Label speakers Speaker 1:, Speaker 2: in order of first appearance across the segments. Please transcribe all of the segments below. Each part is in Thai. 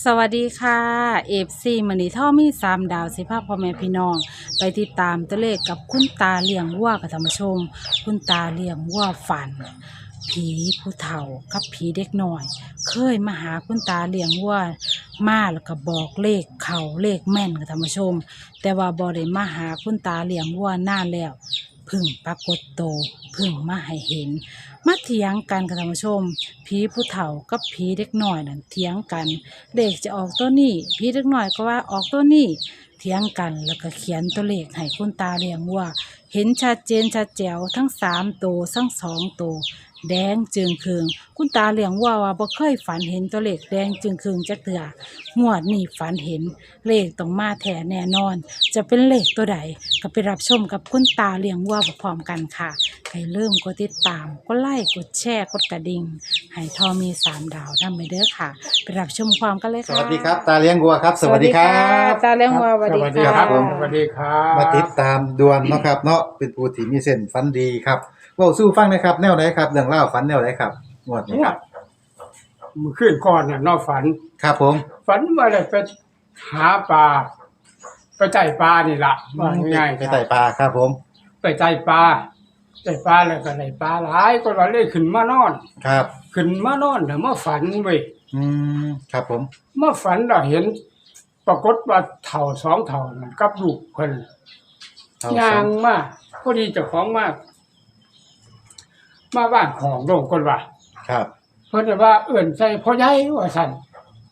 Speaker 1: วัสดีค่ะเอฟซีมันนี่ท่อมี3 ดาวสิพาพ่อแม่พี่น้องไปติดตามตัวเลขกับคุณตาเลี้ยงวัวกับธรรมชมคุณตาเลี้ยงวัวฝันผีผู้เฒ่ากับผีเด็กน้อยเคยมาหาคุณตาเลี้ยงวัวมาแล้วก็บอกเลขเขาเลขแม่นกับธรรมชมแต่ว่าบ่ได้มาหาคุณตาเลี้ยงวัวนานแล้วเพึ่งปรากฏโตวเพึ่งมาให้เห็นมาเถียงกันกับธรรมชมผีผู้เฒ่ากับผีเด็กน้อยนั่นเถียงกัน เลขจะออกตัวนี้พี่เล็กน้อยก็ว่าออกตัวนี้เถียงกันแล้วก็เขียนตัวเลขให้คุณตาเลี้ยงว่าเห็นชัดเจนชัดแจ๋วทั้ง3 ตัวทั้ง2 ตัวแดงจึงคืงคุณตาเลี้ยงว่าบ่เคยฝันเห็นตัวเลขแดงจึงคืงจักเทื่องวดนี้ฝันเห็นเลขต้องมาแท้แน่นอน จะเป็นเลขตัวใดก็ไปรับชมกับคุณตาเลี้ยงวัวพร้อมกันค่ะใครเริ่มกดติดตามกดไลค์กดแชร์กดกระดิ่งให้ทอมี3 ดาวนำไปเด้อค่ะไปรับชมความกันเลย
Speaker 2: ส
Speaker 1: ค่ะ
Speaker 2: วัสดีครับตาเลี้ยงวัวครับสวัสดีครับ
Speaker 1: ตาเลี้ยงวัวสวัสดี
Speaker 3: สวัสดี
Speaker 1: ค่ะ
Speaker 3: ครับผม
Speaker 2: ส
Speaker 3: ส
Speaker 2: วั
Speaker 3: วั
Speaker 2: ส
Speaker 3: ส
Speaker 2: ดี
Speaker 3: ดี
Speaker 2: ค
Speaker 3: ค
Speaker 2: รั
Speaker 3: รับ
Speaker 2: มาติดตามดวนเนาะครับเนาะเป็นผู้ที่มีเส้นฝันดีครับเว้าสู้ฟังหนะครับแนวไหนครับเรื่องเล่าวฝันแนวไหนครับงวดนี้ครับ
Speaker 3: มือขึ้นก่อนน่ะนอนฝัน
Speaker 2: ครับผม
Speaker 3: ฝันว่าได้ไปหาปลาไปไต่ปลานี่ล่ะว่าง่ายๆ
Speaker 2: ไปไต่ปลาครับผม
Speaker 3: ไปไต่ปลาไต่ปลาแล้วก็ได้ปลาหลายก็ว่าเลยขึ้นมานอน
Speaker 2: ครับ
Speaker 3: ขึ้นมานอนแล้วมาฝันเว้ย
Speaker 2: ครับผม
Speaker 3: มาฝันเราเห็น ปรากฏว่าเฒ่า2เฒ่านั่นกับลูกเพิ่น
Speaker 2: เอา
Speaker 3: ย่า
Speaker 2: สอง ง
Speaker 3: มาพอดีเจ้าของมาบ้านของลงคนว่า
Speaker 2: ครับ
Speaker 3: เพิ่นว่าเอิ่นใส่พ่อใหญ่ว่าซั่น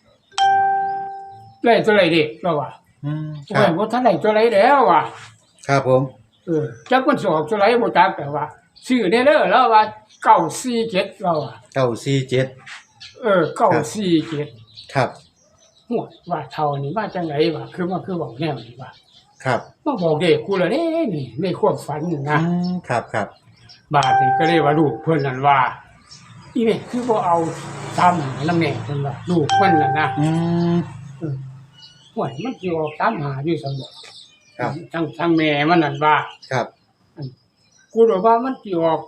Speaker 3: ไล่ตัวไรเด็กเราว่า
Speaker 2: ค
Speaker 3: โอ้
Speaker 2: รั
Speaker 3: ย
Speaker 2: บ
Speaker 3: บ่ทันได้ตัวไรแล้วว่ะ
Speaker 2: ครับผม
Speaker 3: จักมันสิออกตัวไรบ่จักแต่ว่าชื่อได้เด้อแล้วว่า947เราอ่ะ
Speaker 2: 947
Speaker 3: 947
Speaker 2: ครับ
Speaker 3: หัวว่าเท่านี้มาจังไดวะคือบอกแนวนี้ว่า
Speaker 2: ครับ
Speaker 3: มาบอกเด็กกูละเด้นี่ในความฝันนี่นะครับ
Speaker 2: ครับ
Speaker 3: บาดนี้ก็เลยว่าลูกเพิ่นนั่นว่าอีนี่คือบ่เอาตามหาน้ำแน่เพิ่นว่าลูกเพิ่นน่ะนะ ห่วยมันสิออกตามหาอยู่ซั่นบ่
Speaker 2: ครับ
Speaker 3: ทั้งแม่มันนั่นว่า
Speaker 2: ครับ
Speaker 3: กูรู้ว่ามันสิออก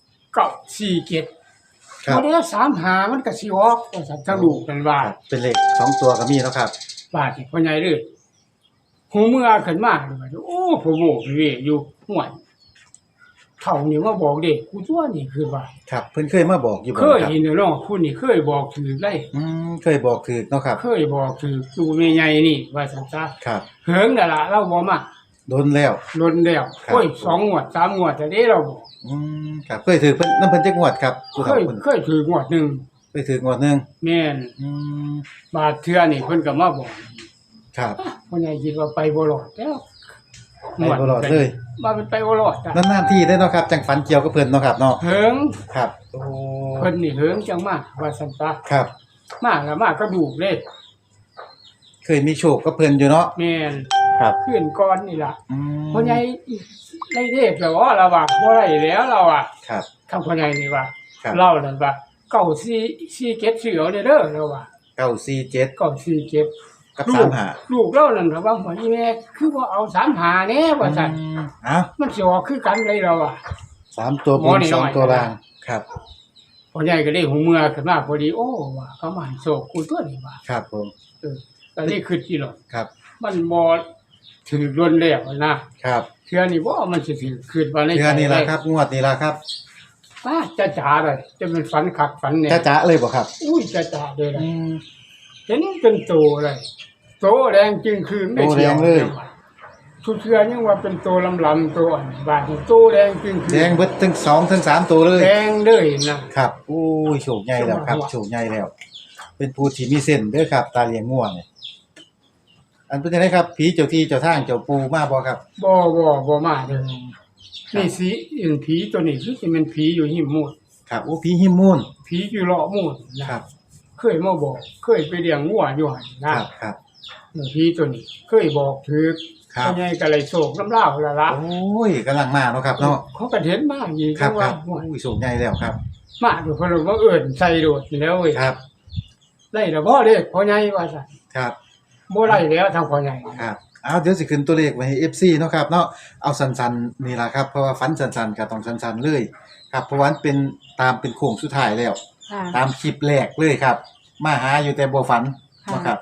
Speaker 3: 947
Speaker 2: ครับ
Speaker 3: บ่ได้35มันก็สิออกว่าซั่นทั้งลูกนั่นว่า
Speaker 2: ครับเป็นเลข2 ตัวก็มีแล้วครับ
Speaker 3: บาดนี่พ่อใหญ่เด้อหูเมื่อขึ้นมาเลยว่าโอ้พ่อโบกเวยอยู่ห่วยเฒ่านี่มาบอกเด็กกูตัวนี่คือว่า
Speaker 2: ครับเพิ่นเคยมาบอกอยู่บ่
Speaker 3: เคย
Speaker 2: ครับ
Speaker 3: เห็นเนาะผู้นี่เคยบอกถือได้
Speaker 2: เคยบอกถูกเนาะครับ
Speaker 3: เคยบอกถือดูแม่ใหญ่นี่ว่าซั่นซะ
Speaker 2: ครับ
Speaker 3: เหิงนั่นล่ะเราบ่มา
Speaker 2: โดนแล้ว
Speaker 3: ลนแล้ว
Speaker 2: ครับ
Speaker 3: โอ้ย2งวด3งวดแต่เด้เราบอก
Speaker 2: ครับเคยถือเพิ่นน้ำเพิ่นจักงวดครับผู้
Speaker 3: เค
Speaker 2: เฒ่าย เพิ่น
Speaker 3: เคยถืองวดหนึง
Speaker 2: เคยถืองวดหนึง
Speaker 3: แม่น บาดเทื่อนี่เพิ่นก็มาบอก
Speaker 2: ครับ
Speaker 3: พ่อใหญ่คิดว่าไปบ่รอดแล้ว
Speaker 2: ไปบ่รอดเลย
Speaker 3: ว่ามันไปบ่รอดจ้ะ
Speaker 2: นานๆที่ได้เนาะครับจังฝันเกี่ยวกับเพิ่นเนาะครับเนาะ
Speaker 3: เหิง
Speaker 2: ครับโอ้
Speaker 3: เพิ่นนี่เหิงจังมากว่าซั่นซะ
Speaker 2: ครับ
Speaker 3: มาแล้วมาก็ดูกเลย
Speaker 2: เคยมีโชคกับเพิ่นอยู่เนาะ
Speaker 3: แม่น
Speaker 2: ครับ
Speaker 3: ขึ้นก่อนนี่ล่ะ
Speaker 2: อืม
Speaker 3: พ่อใหญ่ได้เทพแล้วว่าเราว่าบ่ได้แล้วเราอ่ะ
Speaker 2: ครับ
Speaker 3: ทางพ่อใหญ่นี่ว่า
Speaker 2: ครับ
Speaker 3: เรานั่นว่า944เก็ดเสือเอาเด้อเราว่า
Speaker 2: 947
Speaker 3: 947
Speaker 2: กับ
Speaker 3: ลูก
Speaker 2: 35
Speaker 3: ลูกเรานั่นว่าหัวอีแม่คือว่าเอา35แน่ว่าซั่น
Speaker 2: เอ้า
Speaker 3: มันสิออกคือกันเลยเราอ่ะ
Speaker 2: 3ตัวบ
Speaker 3: หมอน นี่น้อย
Speaker 2: 2ตัวล่างครับ
Speaker 3: พ่อใหญ่ก็ได้หูเมื่อขึ้นมาพอดีโอ้ว่าเขามาให้โศกกูตัวนี้ว่า
Speaker 2: ครับผม
Speaker 3: ก็เลยคิดอีหรอก
Speaker 2: ครับ
Speaker 3: มันบ่ถือล้นแล้วนะครับ เทื่อนี้บ่มันสิถือคิดว่าใน
Speaker 2: เทื่อนี้ล่ะครับงวดนี้ล่ะครับ
Speaker 3: ป้าจะจ๋าเลยจะเป็นฝันคักฝันเนี่ย
Speaker 2: จ๊ะๆเลยบ่ครับ
Speaker 3: อุ้ยจะจ๋าเลยล่ะ
Speaker 2: อืม
Speaker 3: เห็นเป็นโตเลยโตแดงจริงคือไม่
Speaker 2: โตแดงเลย
Speaker 3: ทุกเทื่อยังว่าเป็นโตลำๆตัวอันบาดนี่โตแดงจริงคือ
Speaker 2: แดงเบิดทั้ง2ทั้ง3ตัวเลย
Speaker 3: แดงเลยนะครับ
Speaker 2: โอ้ยโชคใหญ่แล้วครับโชคใหญ่แล้ว เป็นผู้ที่มีเส้นเด้อครับ ตาเลี้ยงง่วเนี่ยอันเป็นจังไดครับผีเจ้าที่เจ้าทางเจ้าปู่มาบ่ครับ
Speaker 3: บ่มาเด้อ
Speaker 2: ครับ
Speaker 3: นี่สิเห็นผีตัวนี้คือสิเป็นผีอยู่หิมมูด
Speaker 2: ครับโอ้ผีหิมมูน
Speaker 3: ผีอยู่เลาะมูดนะครับ เคยมาบอก เคยไปเลี้ยงวัวอยู่หั่น
Speaker 2: ค
Speaker 3: นะ
Speaker 2: รับครับ
Speaker 3: ผีตัวนี้ เคยบอกถือ
Speaker 2: ครับ
Speaker 3: พ่อใหญ่ก็เลยโศกน้ำลาวละละ
Speaker 2: โอ้ยกำลังมาเนาะครับเนาะ
Speaker 3: เขาก็เห็นมาอีก
Speaker 2: ครับค
Speaker 3: ว่า
Speaker 2: รับโอ้ยโชคใหญ่แล้วครับ
Speaker 3: มาดูเพิ่นว่าเอิ้นใส่โดดอยู่แล้วเว้ย
Speaker 2: ครับ
Speaker 3: ได้แล้วบ่เด้พ่อใหญ่ว่าซั่น
Speaker 2: ครับ
Speaker 3: บ่ได้แล้วทางพ่อใหญ่
Speaker 2: ครับเอาเดี๋ยวสิขึ้นตัวเลขไว้ให้ FC เนาะครับเนาะเอาสั้นๆนี่ล่ะครับเพราะว่าฝันสั้นๆก็ต้องสั้นๆเลยครับเพราะว่ามันเป็นตามเป็นโค้งสุดท้ายแล้ว
Speaker 1: ค่ะ
Speaker 2: ตามคลิปแรกเลยครับ มาหาอยู่แต่บ่ฝันเนาะครับ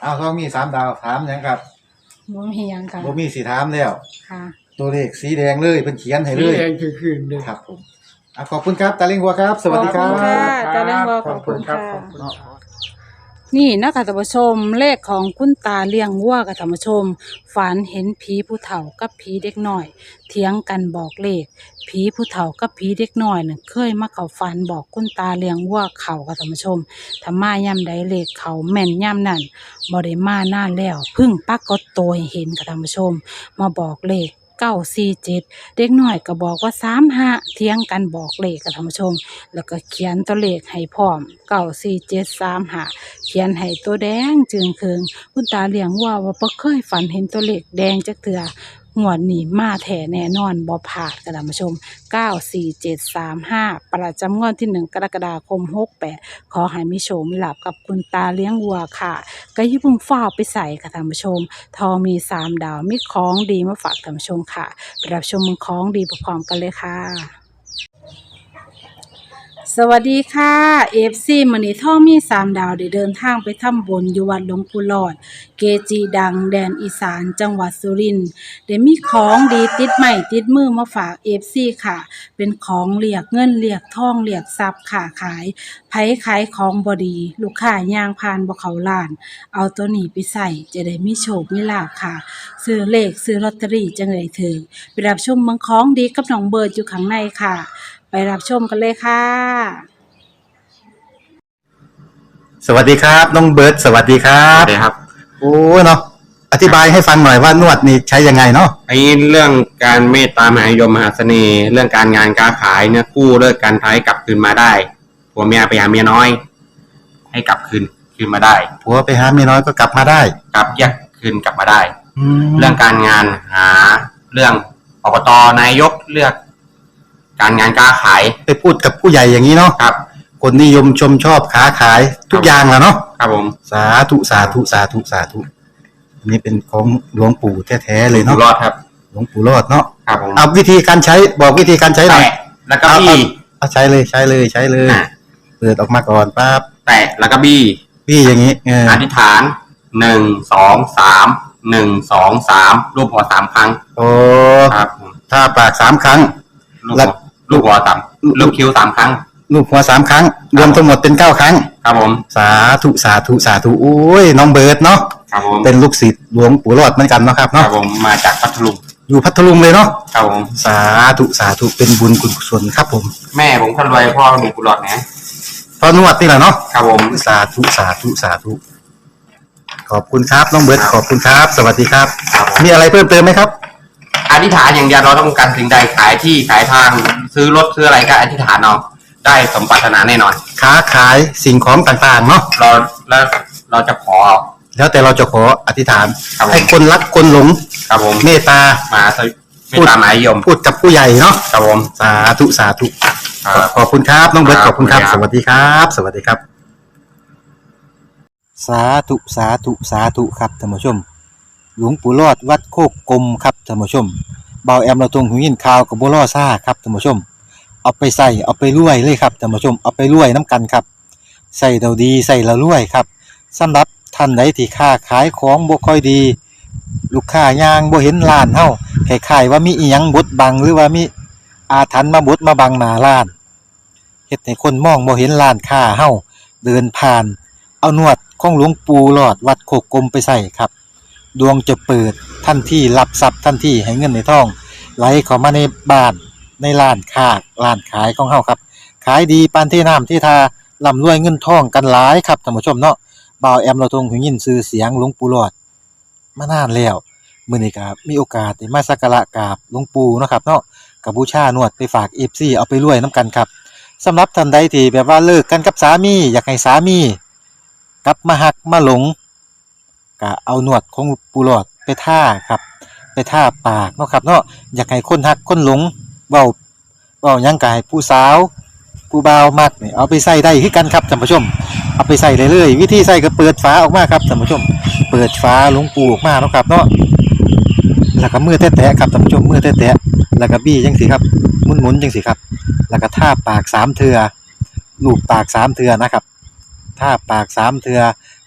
Speaker 2: เอาท้องมี3ดาวถามหยังครับ
Speaker 1: บ่มีหยังค่ะ
Speaker 2: บ่มีสิถามแล้ว
Speaker 1: ค่ะ
Speaker 2: ตัวเลขสีแดงเลยเพิ่นเขียนให้เล
Speaker 3: นี่
Speaker 2: ย
Speaker 3: เองคือคืนเลย
Speaker 2: ครับผมขอบคุณครับตาเล้งวัวครับ สวัสดีครั
Speaker 1: ขอบคุณค่ะ
Speaker 2: บ
Speaker 1: ตาเล้งวัวขอบคุณ
Speaker 3: ครับ
Speaker 1: ค่ะ
Speaker 3: ขอบคุณครับ
Speaker 1: นี่นะคะท่านผู้ชมเลขของคุณตาเลี้ยงวัวกับท่านผู้ชมฝันเห็นผีผู้เฒ่ากับผีเด็กน้อยเถียงกันบอกเลขผีผู้เฒ่ากับผีเด็กน้อยน่ะเคยมาเข้าฝันบอกคุณตาเลี้ยงวัวเขากับท่านผู้ชมถ้ามาย่ำใดเลขเขาแม่นย่ำนั่นบ่ได้มานานแล้วเพึ่งปรากฏตัวให้เห็นกับท่านผู้ชม มาบอกเลข947เด็กน้อยก็บอกว่า35เถียงกันบอกเลขกับท่านผู้ชม แล้วก็เขียนตัวเลขให้พร้อม94735เขียนให้ตัวแดงจึงเคืองคุณตาเลี้ยงว่าบ่เคยฝันเห็นตัวเลขแดงจักเทื่องวดนี้มาแท้แน่นอนบ่พลาดกันท่านผู้ชม94735ประจำงวดที่1กรกฎาคม68ขอให้มีโชคมีลาภกับคุณตาเลี้ยงวัวค่ะก็อย่าเพิ่งฟ้าวไปใส่ค่ะท่านผู้ชมทอมี3ดาวมีของดีมาฝากท่านผู้ชมค่ะไปรับชมของดีพร้อมๆกันเลยค่ะ สวัสดีค่ะเอฟซีมื้อนี้ท่อมี3ดาวได้เดินทางไปทำบุญอยู่วัดหลวงปู่หลอด เกจิดังแดนอีสานจังหวัดสุรินทร์ได้มีของดีติดใหม่ติดมือมาฝากเอฟซีค่ะ เป็นของเรียกเงินเรียกทองเรียกทรัพย์ค่ะขายไผขายของบ่ดี ลูกค้าย่างผ่านบ่เข้าร้าน เอาตัวนี้ไปใส่จะได้มีโชคมีลาภค่ะ ซื้อเลขซื้อลอตเตอรี่จังได้ถึงไปรับชมเมืองของดีกับน้องเบิร์ดอยู่ข้างในค่ะ ไปรับชมกันเลยค่ะ
Speaker 2: สวัสดีครับน้องเบิร์ดสวัสดีครั
Speaker 4: ครับ บครับ
Speaker 2: โอ้เนาะอธิบายให้ฟังหน่อยว่านวดนี่ใช้ยังไงเนาะ
Speaker 4: ไอ้เรื่องการเมตตามหานิยมมหาเสน่ห์ เรื่องการงานการขายเนี่ยกู้เลิกการท้ายกลับคืนมาได้ผัวเมียไปหาเมียน้อย ให้กลับคืนมาได้
Speaker 2: ผัวไปหาเมียน้อยก็กลับมาได้
Speaker 4: กลับแยกคืนกลับมาได้
Speaker 2: แล้
Speaker 4: เรื่
Speaker 2: ว
Speaker 4: องการงานหาเรื่องอบตนายกเลือก การงานการขาย
Speaker 2: ไปพูดกับผู้ใหญ่อย่างนี้เนาะ
Speaker 4: ครับ
Speaker 2: คนนิยมชมชอบค้าขายทุกอย่างแหล้วเนาะ
Speaker 4: ครับผม
Speaker 2: สาธุสาธุสาธุสาธุอันนี้เป็นของหลวงปู่แท้ๆเลย
Speaker 4: อยู่
Speaker 2: เนาะ
Speaker 4: รอดครับ
Speaker 2: หลวงปู่รอดเนาะ
Speaker 4: ครับผม
Speaker 2: เอาวิธีการใช้บอกวิธีการใช้หน่อย
Speaker 4: แตะแล้วก็บี้
Speaker 2: เอาใช้เลยใช้เลยใช้เลย
Speaker 4: อ่ะ
Speaker 2: เปิดออกมาก่อนปั๊บ
Speaker 4: แตะแล้วก็บี้
Speaker 2: พี่อย่างนี้เออ
Speaker 4: อธิษฐาน1 2 3 1 2 3รูปหัว3ครั้ง
Speaker 2: โอ้
Speaker 4: ครับผม
Speaker 2: ถ้าปาก3ครั้ง
Speaker 4: ลูก
Speaker 2: แล้
Speaker 4: หั
Speaker 2: ว
Speaker 4: วลูกหัวต่ำลูกคิ้ว3ครั้ง
Speaker 2: ลูกหัว3ครั้ง รวมทั้งหมดเป็น9ครั้ง
Speaker 4: ครับผม
Speaker 2: สาธุสาธุสาธุโอ้ยน้องเบิร์ดเนาะ
Speaker 4: ครับผม
Speaker 2: เป็นลูกศิษย์หลวงปู่รอดเหมือนกันเนาะครับ
Speaker 4: ครั
Speaker 2: เนาะ
Speaker 4: บผมมาจากพัทลุง
Speaker 2: อยู่พัทลุงเลยเนาะ
Speaker 4: ครับผม
Speaker 2: สาธุสาธุเป็นบุญคุณกุศลครับผม
Speaker 4: แม่ผมคนรวยพ่อมีกุหลาบนะ
Speaker 2: พอนวดนี่แหละเนาะ
Speaker 4: ครับผม
Speaker 2: สาธุสาธุสาธุขอบคุณครับน้องเบิร์ดขอบคุณครับ สวัสดีครับ
Speaker 4: ครับผม
Speaker 2: มีอะไรเพิ่มเติมไหมครับ
Speaker 4: อธิษฐานอย่างเดียวเราต้องการสิ่งใดขายที่ขายทางซื้อรถซื้ออะไรก็อธิษฐานเอาได้สมปรารถนาแน่นอน
Speaker 2: ค้าขายสิ่งของต่างๆเนาะ
Speaker 4: เราจะขอ
Speaker 2: แล้วแต่เราจะขออธิษฐาน
Speaker 4: ครับผม
Speaker 2: ให้คนรักคนหลง
Speaker 4: ครับผม
Speaker 2: เมตตา
Speaker 4: มาไม่ตามหมายยม
Speaker 2: พูดกับผู้ใหญ่เนาะ
Speaker 4: ครับผม
Speaker 2: สาธุสาธุ
Speaker 4: ครับ
Speaker 2: ขอบคุณครับน้องเบิร์ต
Speaker 4: ค
Speaker 2: ข
Speaker 4: รับ
Speaker 2: อบคุณครับ
Speaker 4: ขอบ
Speaker 2: ส
Speaker 4: คุณครับ
Speaker 2: วัสดีครับ สวัสดีครับ สาธุสาธุสาธุครับท่านผู้ชม หลวงปู่รอดวัดโคกกลมครับท่านผู้ชมเบาแอมเราตรงหูยินข่าวกับบัวล่อซ่าครับท่านผู้ชม เอาไปใส่เอาไปรวยเลยครับท่านผู้ชมเอาไปรวยน้ำกันครับใส่เราดีใส่เรารวยครับสำหรับท่านใดที่ค้าขายของบ่ค่อยดี ลูกค้ายางบ่เห็นร้านเฮาคล้ายๆว่ามีอีหยังบดบังหรือว่ามีอาถรรพ์มาบดมาบังหน้าร้านเฮ็ดให้คนมองบ่เห็นร้านค้าเฮาเดินผ่าน เอานวดของหลวงปู่หลอดวัดโคกกลมไปใส่ครับดวงจะเปิดทันทีรับทรัพย์ทันทีให้เงินในท้องไหลเข้ามาในบ้านในร้านค้าร้านขายของเฮาครับขายดีปานที่น้ำที่ทาร่ำรวยเงินทองกันหลายครับท่านผู้ชมเนาะบ่าวแอมเราทรงหูยินชื่อเสียงหลวงปู่หลอดมานานแล้วมื้อนี้ก็มีโอกาสได้มาสักการะกราบหลวงปู่เนาะครับเนาะก็บูชานวดไปฝาก FC เอาไปรวยนํกันครับสำหรับท่านใดที่แบบว่าเลิกกันกับสามีอยากให้สามีกลับมาหักมาหลงก็เอานวดของปู่หลอดไปท่าครับไปท่าปากเนาะครับเนาะอยากให้คนหักคนหลงเว้าหยังก็ให้ผู้สาวผู้บ่าวมักนี่เอาไปใส่ได้คือกันครับท่านผู้ชมเอาไปใส่ได้เลยวิธีใส่ก็เปิดฝาออกมาครับท่านผู้ชมเปิดฝาหลวงปู่ออกมาเนาะครับเนาะแล้วก็มือแตะๆครับท่านผู้ชมมือแตะๆแล้วก็บี้จังซี่ครับหมุนๆจังซี่ครับแล้วก็ท่าปาก3เทื่อลูบปาก3เทื่อนะครับท่าปาก3เทื่อ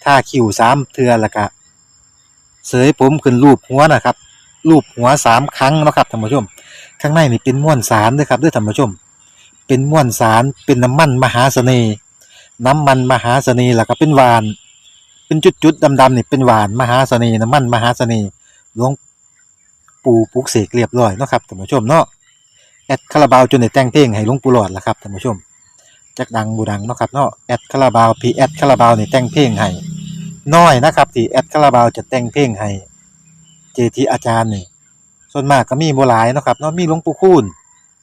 Speaker 2: ทาคิ้ว3เทื่อแล้วก็เสยผมขึ้นรูปหัวนะครับรูปหัว3ครั้งเนาะครับท่านผู้ชมข้างในนี่เป็นม้วนสารเด้อครับเด้อท่านผู้ชมเป็นม้วนสารเป็นน้ำมันมหาเสน่ห์น้ำมันมหาเสน่ห์แล้วก็เป็นหวานเป็นจุดๆดำๆนี่เป็นหวานมหาเสน่ห์น้ำมันมหาเสน่ห์หลวงปู่ปลุกเสกเรียบร้อยเนาะครับท่านผู้ชมเนาะแอดคาราบาวจนได้แต่งเพลงให้หลวงปู่หลอดล่ะครับท่านผู้ชมจักดังบ่ดังเนาะครับเนาะแอดคาราบาวพี่แอดคาราบาวนี่แต่งเพลงให้น้อยนะครับที่แอดคาราบาวจะแต่งเพลงให้เจทีอาจารย์นี่ส่วนมากก็มีบ่หลายเนาะครับเนาะมีหลวงปู่คูณ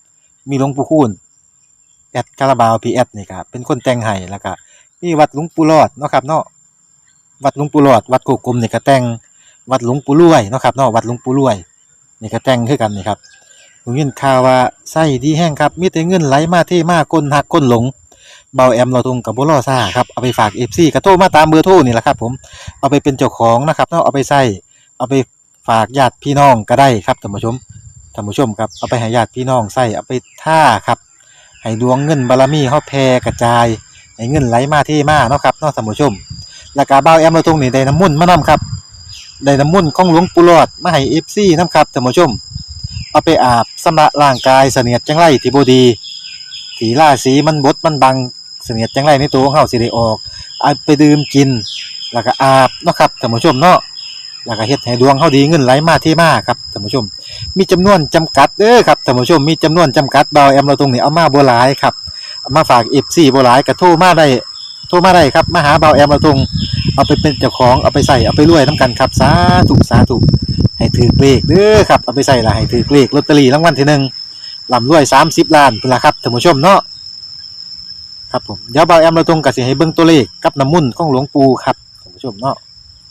Speaker 2: แอดคาราบาวพี่แอดนี่ก็เป็นคนแต่งให้แล้วก็มีวัดหลวงปู่หลอดเนาะครับเนาะวัดหลวงปู่หลอดวัดโคกกลมนี่ก็แต่งวัดหลวงปู่รวยเนาะครับเนาะวัดหลวงปู่รวยนี่ก็แต่งคือกันนี่ครับผมยินข่าวว่าไส้ดีแห้งครับมีแต่เงินไหลมาเทมาคนหักคนหลงเบาแอมเราตรงกับบ่รอซ่าครับเอาไปฝาก FC ก็โทรมาตามเบอร์โทรนี่แหละครับผมเอาไปเป็นเจ้าของนะครับเนาะเอาไปใช้เอาไปฝากญาติพี่น้องก็ได้ครับท่านผู้ชมครับเอาไปให้ญาติพี่น้องใช้เอาไปท่าครับให้ดวงเงินบารมีเฮาแผ่กระจายให้เงินไหลมาเทมาเนาะครับเนาะท่านผู้ชมแล้วก็เบาแอมเราตรงนี่ได้น้ำมนต์มานํครับได้น้ำมนต์ของหลวงปู่หลอดมาให้ FC นํครับท่านผู้ชมเอาไปอาบชำระร่างกายเสนียดจังไรที่บ่ดีที่ราศีมันบดมันบังเสนียดจังไรในตัวของเฮาสิได้ออกเอาไปดื่มกินแล้วก็อาบเนาะครับท่านผู้ชมเนาะแล้วก็เฮ็ดให้ดวงเฮาดีเงินไหลมาเทมาครับท่านผู้ชมมีจำนวนจำกัดเด้อครับท่านผู้ชมมีจำนวนจำกัดเบาแอมเราตรงนี้เอามาบ่หลายครับเอามาฝาก FC บ่หลายก็โทรมาได้ครับมาหาเบาแอมเราตรงเอาไปเป็นเจ้าของเอาไปใส่เอาไปรวยนํกันครับสาธุให้ถือเลขเด้อครับเอาไปใส่ละให้ถือเลขลอตเตอรี่รางวัลที่หนึ่งร่ำรวย30ล้านพุ่นล่ะครับท่านผู้ชมเนาะครับผมเดี๋ยวเบาแอมเราตรงก็สิให้เบิ่งตัวเลขกับน้ำมนต์ของหลวงปู่ครับท่านผู้ชมเนาะ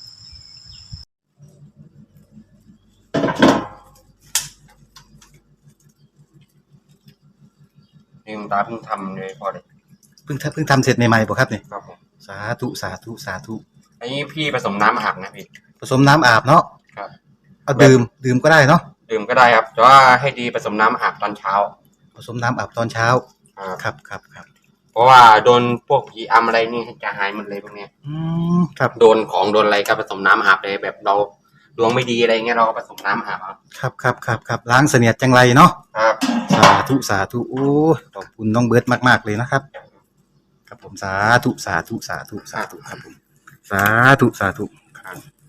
Speaker 4: ลืมตาเพิ่งทำเลยพอเลย
Speaker 2: เพิ่งทำเสร็จใหม่ๆบ่ครับนี่
Speaker 4: ครับผม
Speaker 2: สาธุ
Speaker 4: อันนี้พี่ผสมน้ำอาบนะพี่
Speaker 2: ผสมน้ำอาบเนาะ
Speaker 4: ครับ
Speaker 2: เอาดื่มก็ได้เนาะ
Speaker 4: ดื่มก็ได้ครับแต่ว่าให้ดีผสมน้ำอาบตอนเช้า
Speaker 2: ผสมน้ำอาบตอนเช้าครับ
Speaker 4: เพราะว่าโดนพวกผีอำอะไรนี่จะหายหมดเลยพวกเนี้ย
Speaker 2: ครับ
Speaker 4: โดนของโดนอะไรก็ผสมน้ำอาบเลยแบบเราดวงไม่ดีอะไรเงี้ยเราก็ผสมน้ำอาบ
Speaker 2: ครับล้างเสนียดจังไรเนาะ
Speaker 4: ครับ
Speaker 2: สาธุโอ้ขอบคุณน้องเบิร์ดมากๆเลยนะครับครับผมสาธุครับผมสาธุ
Speaker 4: ครับ